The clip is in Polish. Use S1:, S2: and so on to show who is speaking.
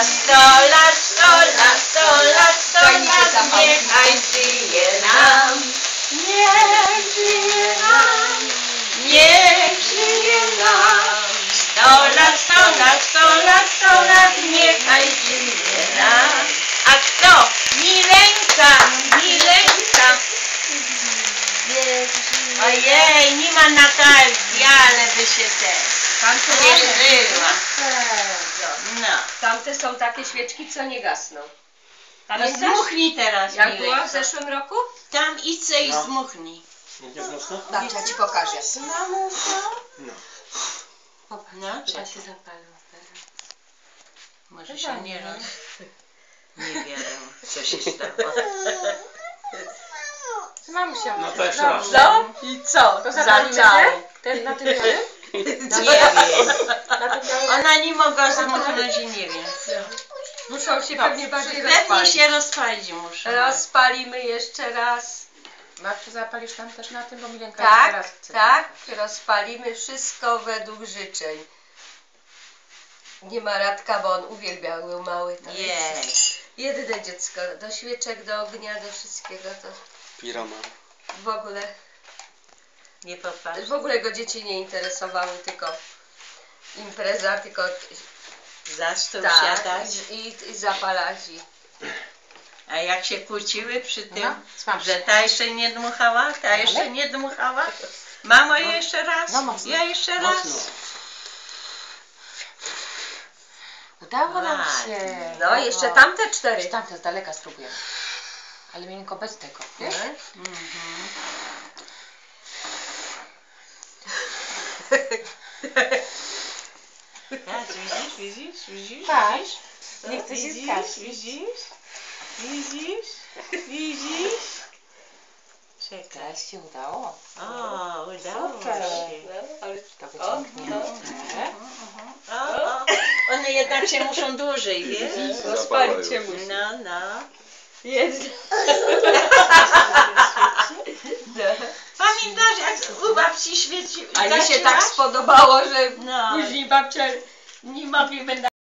S1: sto lat, sto lat, sto lat, sto lat, niechaj żyje nam. Niech żyje nam, niech żyje nam. Sto lat, sto lat, sto lat, sto lat, niechaj żyje nam. A kto? Milenka, Milenka. Ojej, nie ma Natalki, ale by się cieszyła. No.
S2: Tamte są takie świeczki, co nie gasną.
S1: No zdmuchnij teraz,
S2: Jak
S1: Milenko.
S2: było w zeszłym roku?
S1: Tam idź i zdmuchnij.
S2: Tak, ja ci pokażę.
S1: No, trzeba się zapalił. Może się nie roz... Nie wiem, co się stało.
S3: Mamusia.
S4: No to jeszcze raz.
S2: No i co?
S3: To zapalimy
S2: Zaczęło.
S3: Ten na tym białym?
S1: Nie wiem.
S3: Na tym białym?
S1: Ona nie mogła zdmuchnąć i nie wiem.
S2: Muszą się pewnie bardziej
S1: Pewnie
S2: rozpalić.
S1: się rozpalić muszą.
S2: Rozpalimy jeszcze raz.
S3: Babciu, zapalisz tam też na tym, bo Milenka
S2: Tak,
S3: teraz chce.
S2: tak. Rozpalimy wszystko według życzeń. Nie ma Radka, bo on uwielbiał, był mały. To
S1: Jej.
S2: jedyne dziecko. Do świeczek, do ognia, do wszystkiego. To
S4: Pirama.
S2: w ogóle...
S1: Nie popatrz.
S2: W ogóle go dzieci nie interesowały, tylko impreza, tylko
S1: Za stół
S2: tak,
S1: siadać.
S2: i zapalać.
S1: A jak się kłóciły przy tym,
S3: No, smaż.
S1: że ta jeszcze nie dmuchała, ta jeszcze nie dmuchała. Mamo, jeszcze raz.
S3: No, mocno.
S1: Ja jeszcze raz.
S3: Udało nam
S1: Tak.
S3: się.
S2: No, jeszcze tamte 4.
S3: Jeszcze tamte z daleka spróbujemy. Ale Milenko bez tego, wiesz?
S1: Tak, widzisz?
S3: Patrz. Nie
S1: Co?
S3: chce się
S1: Widzisz?
S3: skać.
S1: Widzisz? Czekaj.
S3: Teraz się udało.
S1: O, udało
S3: Super.
S1: się.
S3: To wyciągnięte.
S1: O, one jednak się muszą dłużej, wiesz?
S2: Rozpalić się musi.
S1: No.
S2: Jest.
S1: Pamiętasz, jak u babci świeci?
S2: A mi się
S1: gasiłaś?
S2: tak spodobało, że
S1: No.
S2: później babcia nie mogliśmy